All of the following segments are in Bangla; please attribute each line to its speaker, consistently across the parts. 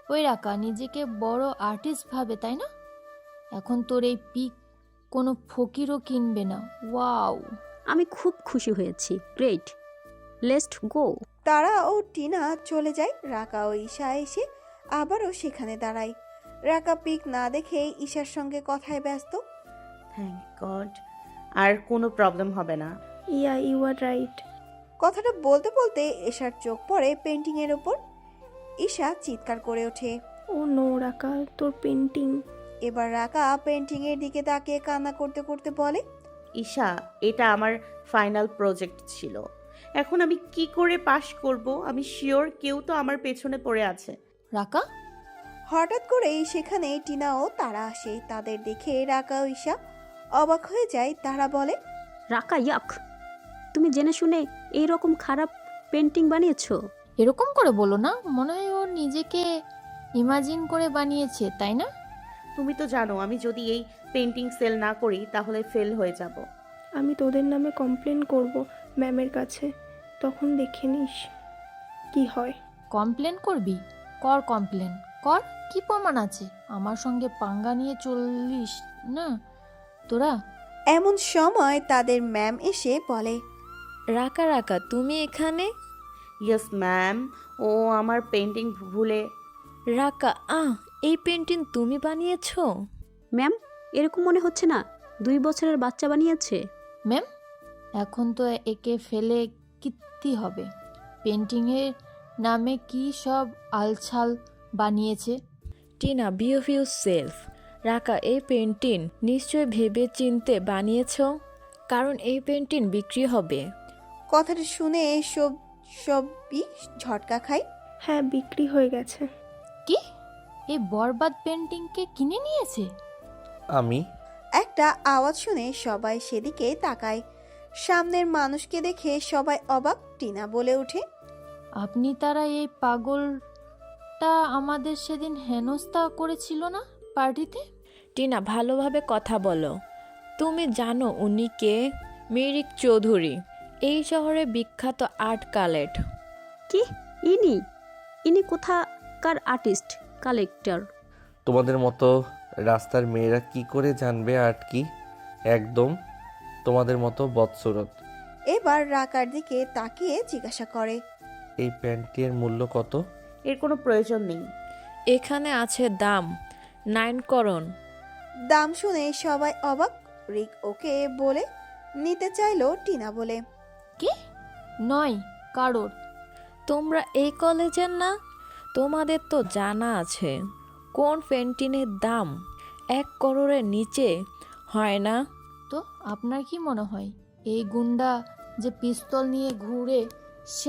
Speaker 1: ওই রাকা নিজেকে বড় আর্টিস্ট ভাবে, তাই না? এখন তোর এই পিক কোনো ফকিরও কিনবে না। ওয়াও!
Speaker 2: আমি খুব খুশি হয়েছি। Great, let's go.
Speaker 3: তারা ও টিনা চলে যায়। রাকা ও ঈশা এসে আবারও সেখানে দাঁড়ায়। রাকা পিক না দেখে ঈশার সঙ্গে কথায় ব্যস্ত।
Speaker 4: থ্যাংক গড, আর কোনো প্রবলেম হবে না।
Speaker 5: Yeah you are right.
Speaker 3: কথাটা বলতে বলতে ঈশার চোখ পড়ে পেন্টিং এর উপর। ঈশা চিৎকার করে ওঠে।
Speaker 5: ও নো রাকা, তোর পেন্টিং।
Speaker 3: এবার রাকা পেন্টিং এর দিকে তাকিয়ে কান্না করতে করতে বলে,
Speaker 4: ঈশা, এটা আমার ফাইনাল প্রজেক্ট ছিল। এখন আমি কি করে পাশ করব? আমি শিওর কেউ তো আমার পেছনে পড়ে আছে।
Speaker 1: রাকা?
Speaker 3: হঠাৎ করেই সেখানে টিনা ও তারা আসে। তাদের দেখে রাকা ও ঈশা অবাক হয়ে যায়। তারা বলে,
Speaker 2: রাকা ইয়াক, তুমি জেনে শুনে এইরকম খারাপ পেন্টিং বানিয়েছো?
Speaker 1: এরকম করে বলো না, মনে হয় ও নিজেকে ইমাজিন করে বানিয়েছে, তাই না?
Speaker 4: তুমি তো জানো আমি যদি এই পেন্টিং সেল না করি তাহলে ফেল হয়ে যাব।
Speaker 5: আমি তোদের নামে কমপ্লেন করব ম্যামের কাছে, তখন দেখে নিস কি হয়।
Speaker 1: কমপ্লেন করবি? কর কমপ্লেন কর। কি প্রমাণ আছে? আমার সঙ্গে পাঙ্গা নিয়ে চললিস না তোরা।
Speaker 3: এমন সময় তাদের ম্যাম এসে বলে,
Speaker 6: রাকা রাকা, তুমি এখানে?
Speaker 4: ইয়েস ম্যাম, ও আমার পেন্টিং ভুলে।
Speaker 6: রাকা, এই পেন্টিং তুমি বানিয়েছো?
Speaker 2: ম্যাম, এরকম মনে হচ্ছে না 2 বছরের বাচ্চা বানিয়েছে।
Speaker 1: ম্যাম, এখন তো একে ফেলে কীর্তি হবে। পেন্টিংয়ের নামে কি সব আলছাল বানিয়েছে।
Speaker 6: Tina, behave yourself. Raka, এই পেন্টিং নিশ্চয় ভেবে চিনতে বানিয়েছো, কারণ এই পেন্টিং বিক্রি হবে।
Speaker 3: কথাটা শুনে সবই ঝটকা খায়।
Speaker 5: হ্যাঁ, বিক্রি হয়ে গেছে।
Speaker 1: কি? এই বরবাদ পেন্টিংকে কিনে নিয়েছে?
Speaker 7: আমি
Speaker 3: একটা আওয়াজ শুনে সবাই সেদিকে তাকায়। সামনের মানুষকে দেখে সবাই অবাক। টিনা বলে ওঠে,
Speaker 1: আপনি তারা এই পাগলটা আমাদের সেদিন হেনস্থা করেছিল না পার্টিতে?
Speaker 6: টিনা, ভালোভাবে কথা বলো। তুমি জানো উনি কে? মিরিক চৌধুরী, এই শহরে বিখ্যাত আর্ট কালেক্ট।
Speaker 2: কি? ইনি ইনি কোথাকার আর্টিস্ট কালেক্টর?
Speaker 7: তোমাদের মতো রাস্তার মেয়েরা কি করে জানবে আর্ট কি? একদম তোমাদের মতো বদসুরত।
Speaker 3: এবার রাকার দিকে তাকিয়ে জিজ্ঞাসা করে,
Speaker 7: এই প্যান্টের মূল্য কত?
Speaker 4: এর কোনো প্রয়োজন নেই।
Speaker 6: এখানে আছে দাম 9 করোন।
Speaker 3: দাম শুনে সবাই অবাক। রিক ওকে বলে নিতে চাইলো। টিনা বলে,
Speaker 1: কি? 9 কারোর?
Speaker 6: তোমরা এই কলেজের না? তোমাদের তো জানা আছে কোন পেন্টিংয়ের দাম 1 করোড়ের নিচে হয় না।
Speaker 1: তো আপনার কি মনে হয় এই গুন্ডা যে পিস্তল নিয়ে ঘুরে সে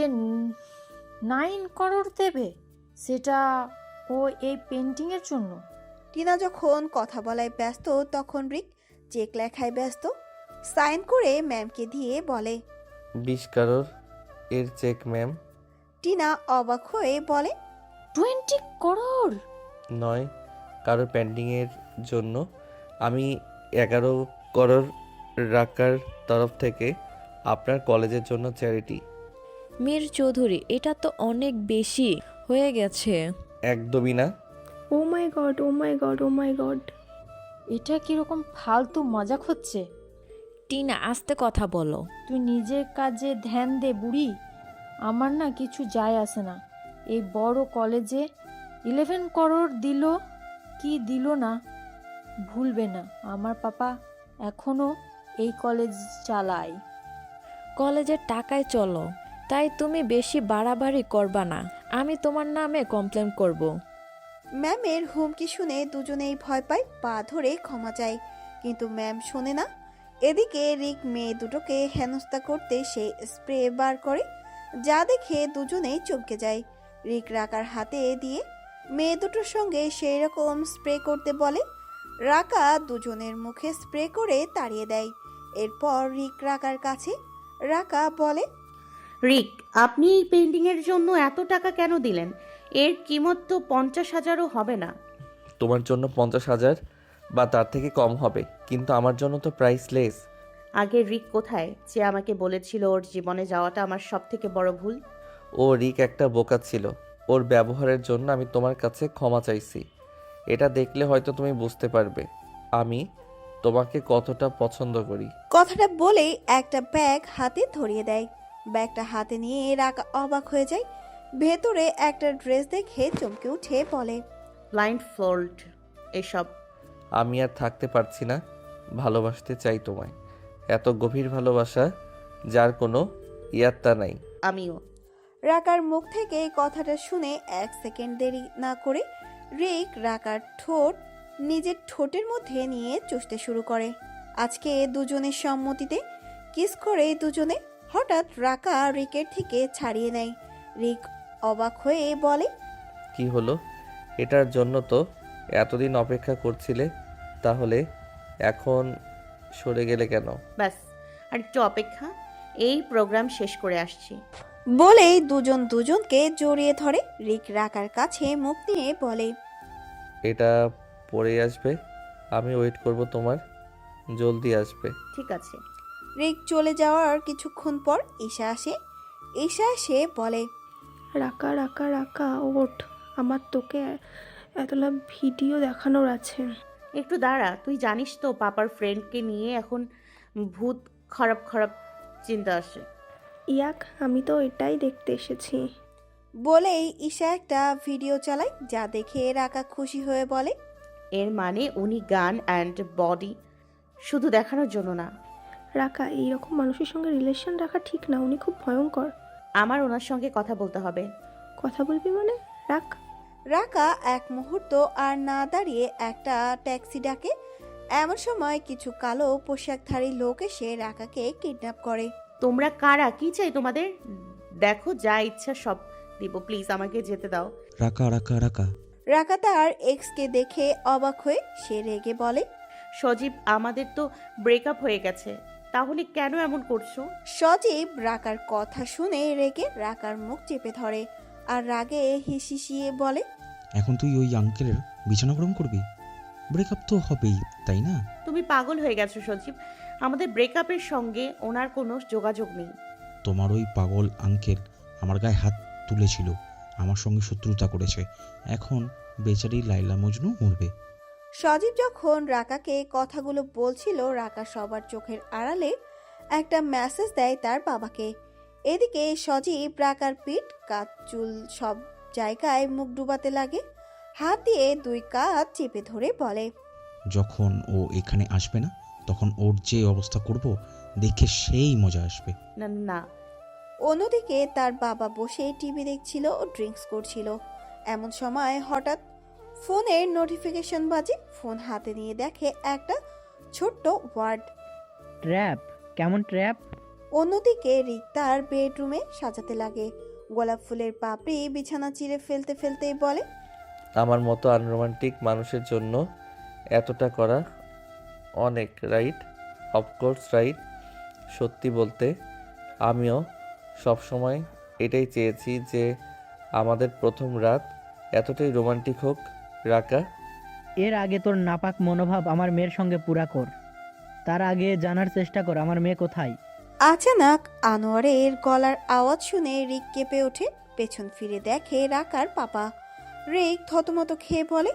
Speaker 1: 9 করোড় দেবে? সেটা ও এই পেন্টিংয়ের জন্য?
Speaker 3: টিনা যখন কথা বলায় ব্যস্ত তখন রিক চেক লেখায় ব্যস্ত। সাইন করে ম্যামকে দিয়ে বলে,
Speaker 7: 20 কারোর এর চেক ম্যাম।
Speaker 3: টিনা অবাক হয়ে বলে,
Speaker 1: 20 করোড়?
Speaker 7: নয় কারোর পেন্টিংয়ের জন্য। আমি 11 করোড় রাকার তরফ থেকে আপনার কলেজের জন্য চ্যারিটি।
Speaker 6: মীর চৌধুরী, এটা তো অনেক বেশি হয়ে গেছে।
Speaker 7: একদমই না।
Speaker 5: Oh my god, oh my god, oh my god.
Speaker 1: এটা কিরকম ফালতু মজাক হচ্ছে?
Speaker 6: টিনা, আস্তে কথা বলো।
Speaker 1: তুই নিজের কাজে ধ্যান দে বুড়ি। আমার না কিছু যায় আসে না। এই বড় কলেজে 11 করোড় দিল কি দিল না ভুলবে না। আমার পাপা এখনো এই কলেজ চালায়।
Speaker 6: কলেজের টাকায় চলো, তাই তুমি বেশি বাড়াবাড়ি করবা না। আমি তোমার নামে কমপ্লেন করব।
Speaker 3: ম্যামের হুমকি শুনে দুজনেই ভয় পায়। পা ধরে ক্ষমা চায়, কিন্তু ম্যাম শোনে না। এদিকে রিক মেয়ে দুটোকে হেনস্থা করতে সে স্প্রে বার করে, যা দেখে দুজনেই চমকে যায়। রিক রাকার হাতে দিয়ে মেয়ে দুটোর সঙ্গে সেই রকম স্প্রে করতে বলে। রাকা দুজনের মুখে স্প্রে করে তাড়িয়ে দেয়। এরপর রিক রাকার কাছে। রাকা বলে,
Speaker 4: রিক, আপনি এই পেন্টিংয়ের জন্য এত টাকা কেন দিলেন? এর কিমত তো 50,000ও হবে না।
Speaker 7: তোমার জন্য 50,000 বা তার থেকে কম হবে, কিন্তু আমার জন্য তো প্রাইসলেস।
Speaker 4: আগে রিক কোথায়, যে আমাকে বলেছিল ওর জীবনে যাওয়াটা আমার সব থেকে বড় ভুল?
Speaker 7: ও রিক একটা বোকা ছিল। ওর ব্যবহারের জন্য আমি তোমার কাছে ক্ষমা চাইছি। এটা দেখলে হয়তো তুমি বুঝতে পারবে আমি তোমাকে কতটা পছন্দ করি।
Speaker 3: কথাটা বলেই একটা ব্যাগ হাতে ধরিয়ে দেয়। ব্যাগটা হাতে নিয়ে রাকা অবাক হয়ে যায়। ভেতরে একটা ড্রেস দেখে চমকে উঠে বলে,
Speaker 4: ব্লাইন্ড ফোল্ড এসব।
Speaker 7: আমি আর থাকতে পারছি না, ভালোবাসতে চাই তোমায়। এত গভীর ভালোবাসা যার কোনো ইয়াত্তা নাই।
Speaker 4: আমিও।
Speaker 3: রাকার মুখ থেকে এই কথাটা শুনে 1 সেকেন্ড দেরি না করে রিক রাকার ঠোঁট নিজের ঠোঁটের মধ্যে নিয়ে চুষতে শুরু করে। আজকে দুজনের সম্মতিতে কিস করে দুজনে। হঠাৎ রাকা রিকের থেকে ছাড়িয়ে নেয়। রিক অবাক হয়ে বলে,
Speaker 7: কি হলো? এটার জন্য তো এতদিন অপেক্ষা করছিলে, তাহলে এখন সরে গেলে কেন?
Speaker 4: ব্যাস আর একটু অপেক্ষা, এই প্রোগ্রাম শেষ করে আসছি।
Speaker 3: বলেই দুজন দুজনকে জড়িয়ে ধরে। রিক রাকার কাছে মুখ নিয়ে বলে,
Speaker 7: এটা পরে আসবে, আমি ওয়েট করব তোমার, জলদি আসবে।
Speaker 4: ঠিক আছে।
Speaker 3: রিক চলে যাওয়ার কিছুক্ষণ পর ঈশা আসে। ঈশা এসে বলে,
Speaker 5: রাকা রাকা রাকা ওঠ, আমার তোকে এতলা ভিডিও দেখানোর আছে।
Speaker 4: একটু দাঁড়া, তুই জানিস তো পাপার ফ্রেন্ডকে নিয়ে এখন ভূত খারাপ খারাপ চিন্তা আসে।
Speaker 5: ইয়াক, আমি তো এটাই দেখতে এসেছি।
Speaker 3: বলেই ঈশা একটা ভিডিও চালায়, যা দেখে রাকা খুশি হয়ে বলে,
Speaker 4: এর মানে উনি গান অ্যান্ড বডি শুধু দেখানোর জন্য না।
Speaker 5: রাকা, এইরকম মানুষের সঙ্গে রিলেশন রাখা ঠিক না, উনি খুব ভয়ঙ্কর।
Speaker 4: আমার ওনার সঙ্গে কথা বলতে হবে।
Speaker 5: কথা বলবি মানে? রাখ।
Speaker 3: রাকা এক মুহূর্ত আর না দাঁড়িয়ে একটা ট্যাক্সি ডাকে। এমন সময় কিছু কালো পোশাকধারী লোক এসে রাকাকে কিডন্যাপ করে।
Speaker 4: তোমরা কারা? কি চাই তোমাদের? দেখো, যা ইচ্ছা সব দিব, প্লিজ আমাকে যেতে দাও।
Speaker 8: রাকা রাকা রাকা।
Speaker 3: রাকা তার এক্সকে দেখে অবাক হয়ে সে রেগে বলে,
Speaker 4: সজীব, আমাদের তো ব্রেকআপ হয়ে গেছে, তাহলে কেন এমন করছো?
Speaker 3: সজীব রাকার কথা শুনে রেগে রাকার মুখ চেপে ধরে আর রাগে হিসিয়ে বলে,
Speaker 8: এখন তুই ওই আঙ্কেলের বিছানা গরম করবি? ব্রেকআপ তো হবেই, তাই না?
Speaker 4: তুমি পাগল হয়ে গেছো সজীব, আমাদের ব্রেকআপের সঙ্গে ওনার কোনো যোগাযোগ নেই।
Speaker 8: তোমার ওই পাগল আঙ্কেল আমার গায়ে হাত তুলেছিল, আমার সঙ্গে শত্রুতা করেছে, এখন বেচারি লাইলা মজনু মরবে।
Speaker 3: সজীব যখন রাকাকে কথাগুলো বলছিল, রাকা সবার চোখের আড়ালে একটা মেসেজ দেয় তার বাবাকে। এদিকে সজীব রাকার পিঠ, কাঁধ, চুল সব জায়গায় মুখ ডুবাতে লাগে। হাত দিয়ে 2 কাঁধ চেপে ধরে বলে,
Speaker 8: যখন ও এখানে আসবে না, তখন ওর যে অবস্থা করব দেখে সেই মজা আসবে।
Speaker 4: না না।
Speaker 3: অন্যদিকে তার বাবা বসে টিভি দেখছিল ও ড্রিঙ্কস করছিল। এমন সময় হঠাৎ ফোনের নোটিফিকেশন বাজে। ফোন হাতে নিয়ে দেখে একটা ছোট্ট ওয়ার্ড,
Speaker 9: ট্র্যাপ। কেমন ট্র্যাপ?
Speaker 3: অন্যদিকে রিক তার বেডরুমে সাজাতে লাগে। গোলাপ ফুলের পাপড়ি বিছানা চিরে ফেলতে ফেলতেই বলে,
Speaker 7: আমার মতো আনরোমান্টিক মানুষের জন্য এতটা করা অনেক, রাইট? Of course right. সত্যি বলতে আমিও সবসময় এটাই চেয়েছি যে আমাদের প্রথম রাত এতটাই রোমান্টিক হোক। রাকা,
Speaker 9: এর আগে তোর নাপাক মনোভাব আমার মেয়ের সঙ্গে পুরা কর, তার আগে জানার চেষ্টা কর আমার মেয়ে কোথায়।
Speaker 3: আচানক আনোয়ারের গলার আওয়াজ শুনে রিক কেঁপে ওঠে। পেছন ফিরে দেখে রাকার পাপা। রিক থতমত খেয়ে বলে,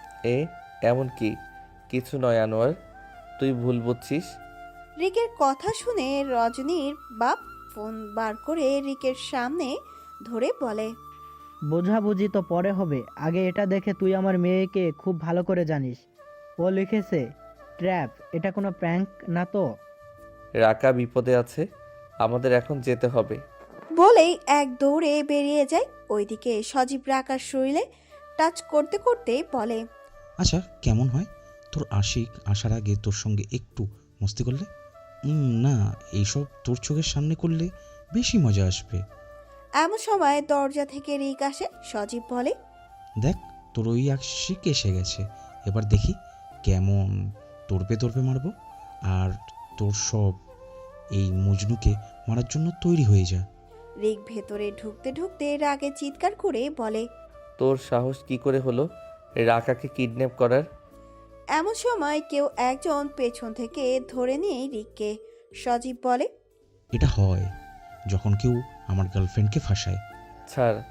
Speaker 7: এমন কি? কিছু নয় আনোয়ার, তুই ভুল বুঝছিস।
Speaker 3: রিকের কথা শুনে রজনীর বাপ ফোন বার করে রিকের সামনে ধরে বলে,
Speaker 9: বোঝাবুঝি তো পরে হবে, আগে এটা দেখে তুই আমার মেয়েকে খুব ভালো করে জানিস। ও লিখেছে ট্র্যাপ, এটা কোনো প্র্যাঙ্ক না তো?
Speaker 7: রাকা বিপদে আছে, আমাদের এখন যেতে হবে।
Speaker 3: বলেই এক দৌড়ে বেরিয়ে যায়। ওইদিকে সজীব রাকার শরীরে টাচ করতে করতে বলে,
Speaker 8: আচ্ছা, কেমন হয় তোর আশিক আসার আগে তোর সঙ্গে একটু মস্তি করলে? না, এইসব তোর চোখের সামনে করলে বেশি মজা আসবে।
Speaker 3: এমন সময় দরজা থেকে রিক আসে। সজীব বলে,
Speaker 8: দেখ, তোর ওই আশিক এসে গেছে, এবার দেখি কেমন তরপে তরপে মারবো। আর তোর সব এই মজনুকে মারার জন্য তৈরি হয়ে যা।
Speaker 3: রিক ভেতরে ঢুকতে ঢুকতে রাগে চিৎকার করে বলে,
Speaker 7: তোর সাহস কি করে হলো রাকাকে কিডন্যাপ করার?
Speaker 3: এমন সময় কেউ একজন পেছন থেকে ধরে নিয়ে রিককে। সজীব বলে,
Speaker 8: এটা হয় যখন কেউ আমার গার্লফ্রেন্ডকে ফাঁসায়।
Speaker 7: ছাড়,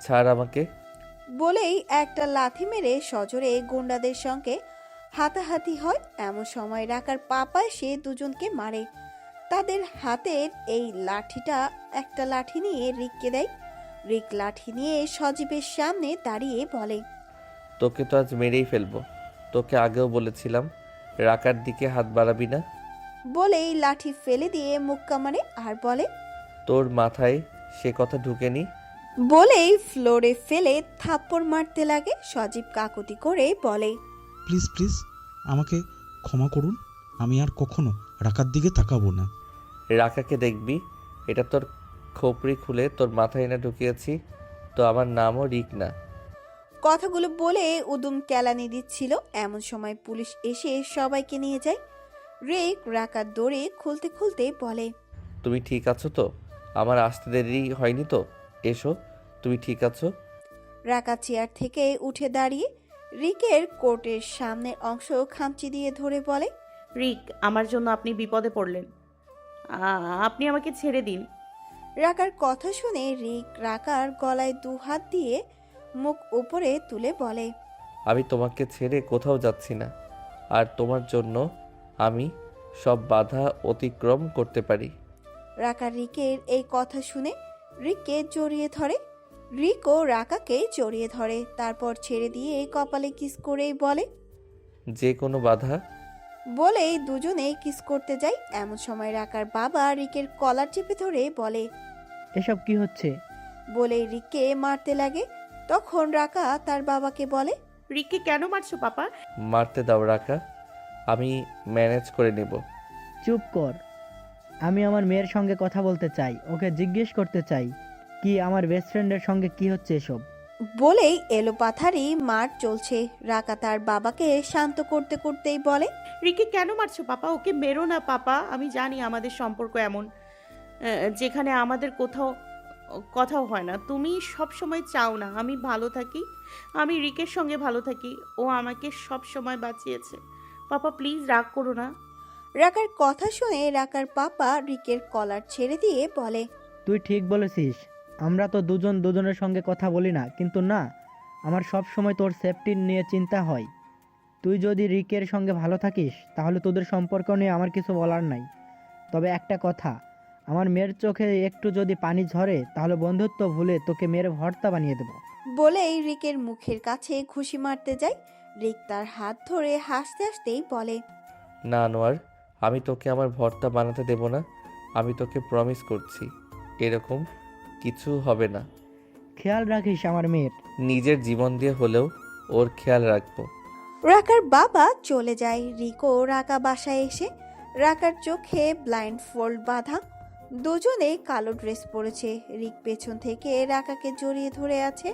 Speaker 7: ছাড় আমাকে।
Speaker 3: বলেই একটা লাথি মেরে সজোরে গুন্ডাদের সঙ্গে হাতাহাতি হয়। এমন সময় রাকার পাপা এসে দুজনকে মারে। তাদের হাতের এই লাঠিটা একটা লাঠি নিয়ে রিককে দেয়। রিক লাঠি নিয়ে সজীবের সামনে দাঁড়িয়ে বলে,
Speaker 7: তোকে তো আজ মেরেই ফেলবো। তোকে আগেও বলেছিলাম রাকার দিকে হাত বাড়াবি না।
Speaker 3: বলেই লাঠি ফেলে দিয়ে মুক্কা মারে আর বলে,
Speaker 7: তোর মাথায় সে কথা ঢুকেনি।
Speaker 3: বলেই ফ্লোরে ফেলে থাপ্পড় মারতে লাগে। সজীব কাকুতি করে বলে,
Speaker 8: প্লিজ প্লিজ আমাকে ক্ষমা করুন, আমি আর কখনো রাকার দিকে তাকাবো না।
Speaker 7: রাকাকে দেখবি, এটা তোর খোপড়ি খুলে তোর মাথায় এনে ঢুকিয়েছি। তো আমার নামও রিক না।
Speaker 3: কথাগুলো বলে উদুম কেলানি দিচ্ছিল। এমন সময় পুলিশ এসে সবাইকে নিয়ে যায়। রিক রাকার দৌড়ে খুলতে খুলতে বলে,
Speaker 7: তুমি ঠিক আছো তো? আমার আসতে দেরি হয়নি তো? এসো, তুমি ঠিক আছো?
Speaker 3: রাকা চেয়ার থেকে উঠে দাঁড়িয়ে রিকের কোটের সামনের অংশ খামচি দিয়ে ধরে বলে,
Speaker 4: রিক, আমার জন্য আপনি বিপদে পড়লেন। আপনি আমাকে ছেড়ে দিন।
Speaker 3: রাকার কথা শুনে রিক রাকার গলায় দু হাত দিয়ে মুখ উপরে তুলে বলে,
Speaker 7: আমি তোমাকে ছেড়ে কোথাও যাচ্ছি না। আর তোমার জন্য আমি সব বাধা অতিক্রম করতে পারি।
Speaker 3: রাকা রিকের এই কথা শুনে রিককে জড়িয়ে ধরে। রিকও রাকাকে জড়িয়ে ধরে, তারপর ছেড়ে দিয়ে কপালে কিস করেই বলে,
Speaker 7: যে কোনো বাধা।
Speaker 3: বলেই দুজনে কিস করতে যায়। এমন সময় রাকার বাবা রিকের কলার চেপে ধরে বলে,
Speaker 9: এসব কি হচ্ছে?
Speaker 3: বলেই রিককে মারতে লাগে। তখন রাকা তার বাবাকে বলে,
Speaker 4: রিককে কেন মারছো পাপা?
Speaker 7: মারতে দাও রাকা, আমি ম্যানেজ করে নেব।
Speaker 9: চুপ কর। আমি আমার মেয়ের সঙ্গে কথা বলতে চাই, ওকে জিজ্ঞেস করতে চাই কি আমার বেস্ট ফ্রেন্ডের সঙ্গে কি হচ্ছে এসব।
Speaker 3: বলেই এলোপাথারি মার চলছে। রাকা তার বাবাকে শান্ত করতে করতেই বলে,
Speaker 4: রিককে কেন মারছো পাপা? ওকে মেরো না পাপা। আমি জানি আমাদের সম্পর্ক এমন, যেখানে আমাদের কথাও হয় না। তুমি সব সময় চাও না আমি ভালো থাকি, আমি রিকের সঙ্গে ভালো থাকি। ও আমাকে সব সময় বাঁচিয়েছে। পাপা প্লিজ রাগ করো না।
Speaker 3: রাকার কথা শুনে রাকার পাপা রিকের কলার ছেড়ে দিয়ে বলে,
Speaker 9: তুই ঠিক বলেছিস, আমরা তো দুজন দুজনের সঙ্গে কথা বলি না, কিন্তু না, আমার সব সময় তোর সেফটি নিয়ে চিন্তা হয়। তুই যদি রিকের সঙ্গে ভালো থাকিস তাহলে তোদের সম্পর্ক নিয়ে আমার কিছু বলার নাই। তবে একটা কথা, আমার মেয়ের চোখে একটু যদি পানি ঝরে তাহলে বন্ধুত্ব ভুলে তোকে মেরে ভর্তা বানিয়ে দেবো।
Speaker 3: বলেই রিকের মুখের কাছে ঘুষি মারতে যায়। রিক তার হাত ধরে হাসতে হাসতেই বলে,
Speaker 7: না আনোয়ার, আমি তোকে আমার ভর্তা বানাতে দেব না। আমি তোকে প্রমিস করছি এরকম কিছু হবে না।
Speaker 9: খেয়াল রাখিস আমার মেয়ের।
Speaker 7: নিজের জীবন দিয়ে হলেও ওর খেয়াল রাখবো।
Speaker 3: রাকার বাবা চলে যায়। রিকও রাকা বাসায় এসে রাকার চোখে ব্লাইন্ড ফোল্ড বাঁধা। দুজনে কালো ড্রেস পরেছে। রিক পেছন থেকে রাকাকে জড়িয়ে ধরে আছে।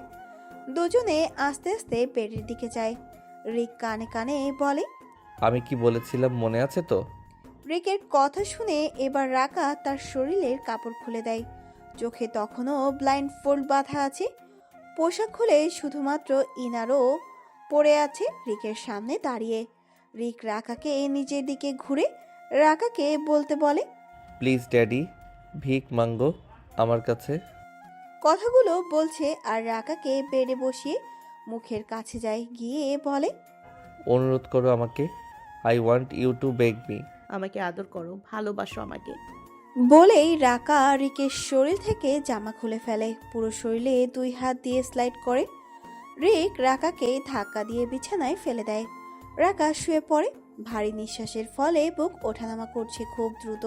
Speaker 3: দুজনে আস্তে আস্তে বেডের দিকে যায়। রিক কানে কানে বলে,
Speaker 7: আমি কি বলেছিলাম মনে আছে তো?
Speaker 3: রিকের কথা শুনে এবার রাকা তার শরীরের কাপড় খুলে দেয়। চোখে তখনও ব্লাইন্ড ফোল্ড বাঁধা আছে। পোশাক খুলে শুধুমাত্র ইনারও পড়ে আছে রিকের সামনে দাঁড়িয়ে। রিক রাকাকে নিজের দিকে ঘুরে রাকাকে বলতে বলে,
Speaker 7: প্লিজ ড্যাডি, ভিক মাঙ্গো আমার কাছে।
Speaker 3: কথাগুলো বলছে আর রাকাকে বেডে বসিয়ে মুখের কাছে যায়। গিয়ে বলে,
Speaker 7: অনুরোধ করো আমাকে। I want you to beg me.
Speaker 4: আমাকে আদর করো, ভালোবাসো আমাকে।
Speaker 3: বলেই রাকা রিকের শরীর থেকে জামা খুলে ফেলে। পুরো শরীরে দুই হাত দিয়ে স্লাইড করে। রিক রাকাকে ধাক্কা দিয়ে বিছানায় ফেলে দেয়। রাকা শুয়ে পড়ে। ভারী নিঃশ্বাসের ফলে বুক ওঠানামা করছে খুব দ্রুত।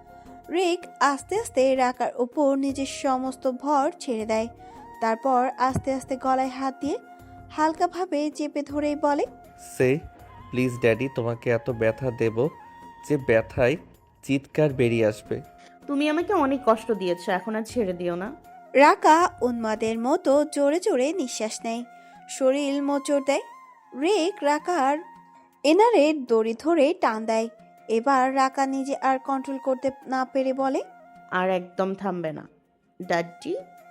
Speaker 3: রিক আস্তে আস্তে রাকার উপর নিজের সমস্ত ভর ছেড়ে দেয়। তারপর আস্তে আস্তে গলায় হাত দিয়ে হালকাভাবে চেপে ধরেই বলে,
Speaker 7: সে প্লিজ ড্যাডি, তোমাকে এত ব্যথা দেব যে ব্যথায় চিৎকার বেরিয়ে আসবে।
Speaker 4: তুমি আমাকে অনেক কষ্ট দিয়েছো, এখন আর ছেড়ে দিও না।
Speaker 3: রাকা উন্মাদের মতো জোরে জোরে নিঃশ্বাস নেয়, শরীর মোচড় দেয়। রিক রাকার এনারের দড়ি ধরে টান দেয়। এবার রাকা নিজে আর কন্ট্রোল করতে না পেরে বলে,
Speaker 4: আর একদম থামবে না ড্যাডি।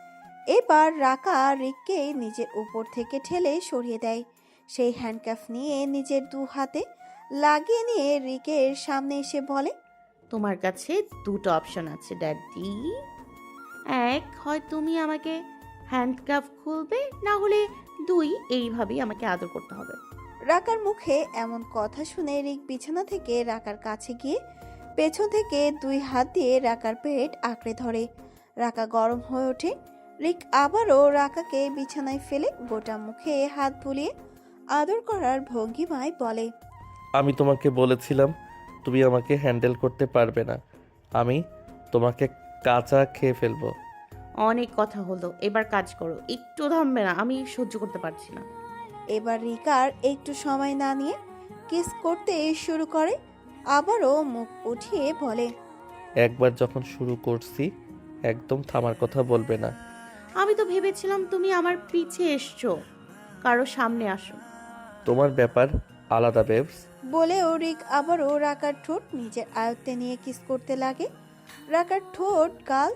Speaker 3: এবার রাকা রিককে নিজের উপর থেকে ঠেলে সরিয়ে দেয়। সেই হ্যান্ডকাফ নিয়ে নিজের দু হাতে লাগিয়ে নিয়ে রিকের সামনে এসে বলে,
Speaker 4: তোমার কাছে দুটো অপশন আছে ড্যাডি। এক, হয় তুমি আমাকে হ্যান্ডকাফ খুলবে, না হলে দুই, এইভাবেই আমাকে আদর করতে হবে।
Speaker 3: রাকার মুখে এমন কথা শুনে রিক বিছানা থেকে রাকার কাছে গিয়ে পেছন থেকে 2 হাত দিয়ে রাকার পেট আঁকড়ে ধরে। রাকা গরম হয়ে ওঠে। রিক আবারও রাকাকে বিছানায় ফেলে গোটা মুখে হাত বুলিয়ে আদর করার ভঙ্গিমায় বলে,
Speaker 7: আমি তোমাকে বলেছিলাম তুমি আমাকে হ্যান্ডেল করতে পারবে না, আমি তোমাকে কাঁচা খেয়ে ফেলবো।
Speaker 4: অনেক কথা হলো, এবার কাজ করো, একটু থামবে না? আমি সহ্য করতে পারছি না।
Speaker 3: এবার রিকার একটু সময় না নিয়ে কিস করতে শুরু করে। আবারও মুখ উঠিয়ে বলে,
Speaker 7: একবার যখন শুরু করছি একদম থামার কথা বলবে না।
Speaker 4: আমি তো ভেবেছিলাম তুমি আমার পিছে এসছো, কারো সামনে আসো।
Speaker 7: তোমার ব্যাপার আলাদা বেবস।
Speaker 3: বলেও রিক আবারও রাকার ঠোঁট নিজের আয়ত্তে নিয়ে কিস করতে লাগে। রাকার ঠোঁট, গাল,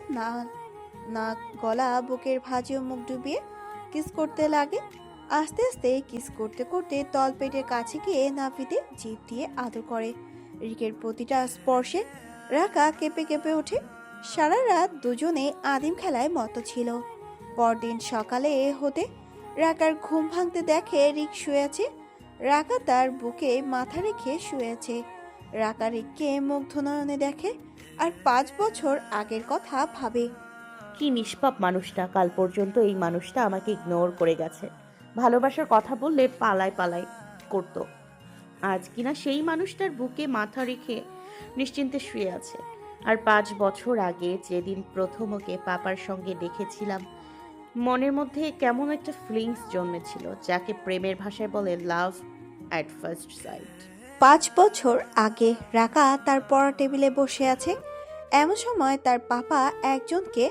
Speaker 3: নাক, গলা, বুকের ভাঁজে মুখ ডুবিয়ে কিস করতে লাগে। আস্তে আস্তে কিস করতে করতে তলপেটের কাছে গিয়ে নাভিতে জিভ দিয়ে আদর করে। রিকের প্রতিটা স্পর্শে রাকা কেঁপে কেঁপে ওঠে। সারা রাত দুজনে আদিম খেলায় মত ছিল। পরদিন সকালে হতে রাকার ঘুম ভাঙতে দেখে রিক শুয়ে আছে। রাকা তার বুকে মাথা রেখে শুয়েছে। রাকা রিককে মুগ্ধ নয়নে দেখে আর 5 বছর আগের কথা ভাবে।
Speaker 4: কি নিষ্পাপ মানুষটা, কাল পর্যন্ত এই মানুষটা আমাকে ইগনোর করে গেছে, ভালোবাসার কথা বললে পালায় পালায় করতো। আজ কিনা সেই মানুষটার বুকে মাথা রেখে নিশ্চিন্তে শুয়ে আছে। আর 5 বছর আগে যেদিন প্রথম ওকে পাপার সঙ্গে দেখেছিলাম, মনের মধ্যে কেমন একটা ফিলিংস জন্মেছিল, যাকে প্রেমের ভাষায় বলে লাভ অ্যাট ফার্স্ট সাইট।
Speaker 3: 5 বছর আগে রাকা তার পড়া টেবিলে বসে আছে। এমন সময় তার পাপা একজনকে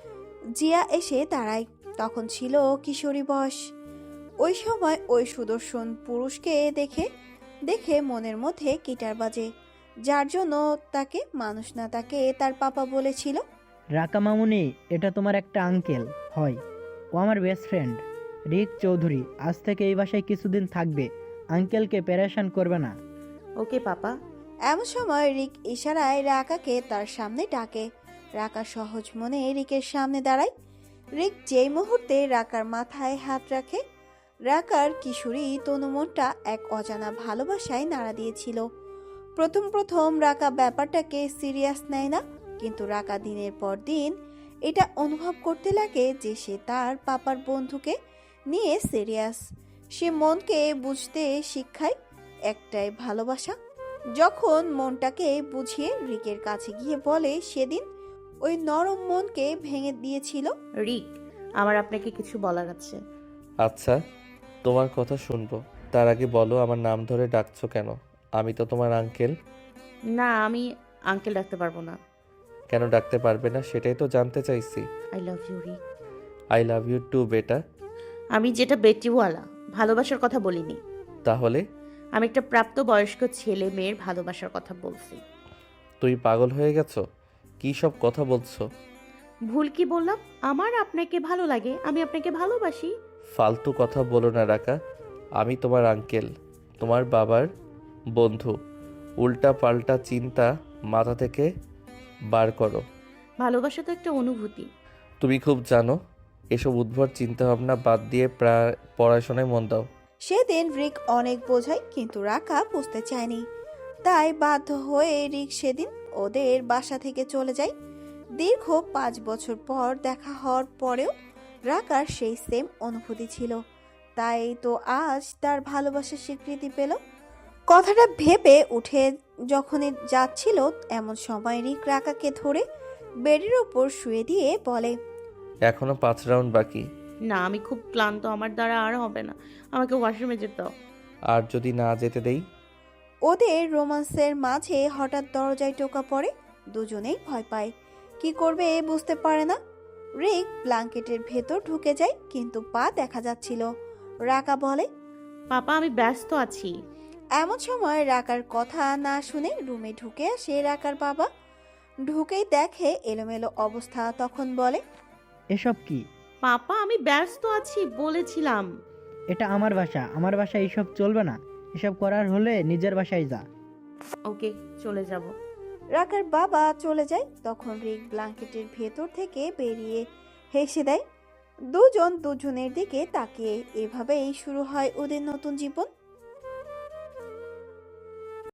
Speaker 3: জিয়া এসে দাঁড়ায়। তখন ছিল কিশোরী বয়স। ওই সময় ওই সুদর্শন পুরুষকে দেখে দেখে মনের মধ্যে গিটার বাজে, যার জন্য তাকে মানুষ না তাকে তার পাপা বলেছিল।
Speaker 9: রাকা মামুনি, এটা তোমার একটা আঙ্কেল হয়, ও আমার বেস্ট ফ্রেন্ড রিক চৌধুরী। আজ থেকে এই বাসায় কিছুদিন থাকবে, আঙ্কেলকে প্যারেশান করবে না।
Speaker 4: ওকে পাপা।
Speaker 3: এমন সময় রিক ইশারায় রাকাকে তার সামনে ডাকে। রাকা সহজ মনে রিকের সামনে দাঁড়ায়। রিক যেই মুহূর্তে রাকার মাথায় হাত রাখে, রাকার কিশোরী তনুমনটা এক অজানা ভালোবাসায় নাড়া দিয়েছিল। প্রথম প্রথম রাকা ব্যাপারটাকে সিরিয়াস নেয় না, কিন্তু রাকা দিনের পর দিন এটা অনুভব করতে লাগে যে সে তার পাপার বন্ধুকে নিয়ে সিরিয়াস। সে মনকে বুঝতে শিক্ষায় একটাই ভালোবাসা। যখন মনটাকে বুঝিয়ে রিকের কাছে গিয়ে বলে সেদিন ওই নরম মনকে ভেঙে দিয়েছিল।
Speaker 4: রিক, আমার আপনাকে কিছু বলার আছে।
Speaker 7: আচ্ছা, তোমার কথা শুনবো, তার আগে বলো আমার নাম ধরে ডাকছো কেন? আমি তো তোমার আঙ্কেল।
Speaker 4: না, আমি আঙ্কেল ডাকতে পারবো না।
Speaker 7: কেন ডাকতে পারবে না সেটাই তো জানতে চাইছি।
Speaker 4: I love you Rick.
Speaker 7: I love you too বেটা।
Speaker 4: আমি যেটা বেটিওয়ালা ভালোবাসার কথা বলিনি,
Speaker 7: তাহলে
Speaker 4: আমি একটা প্রাপ্তবয়স্ক ছেলে মেয়ের ভালোবাসার কথা বলছি।
Speaker 7: তুই পাগল হয়ে গেছো? কি সব কথা বলছো?
Speaker 4: ভুল কি বললাম? আমার আপনাকে ভালো লাগে, আমি আপনাকে ভালোবাসি।
Speaker 7: ফালতু কথা বলো না রাকা। আমি তোমার আঙ্কেল, তোমার বাবার বন্ধু। উল্টা পাল্টা চিন্তা মাথা থেকে বার করো।
Speaker 4: ভালোবাসা তো একটা অনুভূতি।
Speaker 7: তুমি খুব জানো, এসব উদ্ভট চিন্তাভাবনা বাদ দিয়ে পড়াশোনায় মন দাও।
Speaker 3: সেদিন রিক অনেক বোঝায়, কিন্তু রাকা বুঝতে চায়নি। তাই বাধ্য হয়ে রিক সেদিন ওদের বাসা থেকে চলে যায়। দীর্ঘ 5 বছর পর দেখা হওয়ার পরেও রাকার সেই সেম অনুভূতি ছিল। তাই তো আজ তার ভালোবাসার স্বীকৃতি পেল। কথাটা ভেবে উঠে যখনই যাচ্ছিল, এমন সময় রিক রাকাকে ধরে বেডের ওপর শুয়ে দিয়ে বলে,
Speaker 7: এখনো 5 রাউন্ড বাকি।
Speaker 4: না, আমি খুব ক্লান্ত, আমার দ্বারা আর হবে না, আমাকে ওয়াশরুমে যেতে দাও।
Speaker 7: আর যদি না যেতে দেই?
Speaker 3: ওদের রোমান্সের মাঝে হঠাৎ দরজায় টোকা পড়ে। দুজনেই ভয় পায়, কি করবে বুঝতে পারে না। রিক ব্ল্যাঙ্কেটের ভেতর ঢুকে যায়, কিন্তু পা দেখা যাচ্ছিল। রাকা বলে,
Speaker 4: পাপা, আমি ব্যস্ত আছি।
Speaker 3: এমন সময় রাকার কথা না শুনে রুমে ঢুকে আসে রাকার বাবা। ঢুকেই দেখে এলোমেলো অবস্থা, তখন বলে,
Speaker 9: এসব কি?
Speaker 4: পাপা, আমি ব্যস্ত আছি বলেছিলাম।
Speaker 9: এটা আমার বাসা, আমার বাসায় এইসব চলবে না। এসব করার হলে নিজের বাসায় যা।
Speaker 4: ওকে, চলে যাব।
Speaker 3: রাকার বাবা চলে যায়। তখন রিক ব্ল্যাঙ্কেটের ভেতর থেকে বেরিয়ে হেসে দেয়। দুজন দুজনের দিকে তাকিয়ে এভাবেই শুরু হয় ওদের নতুন জীবন।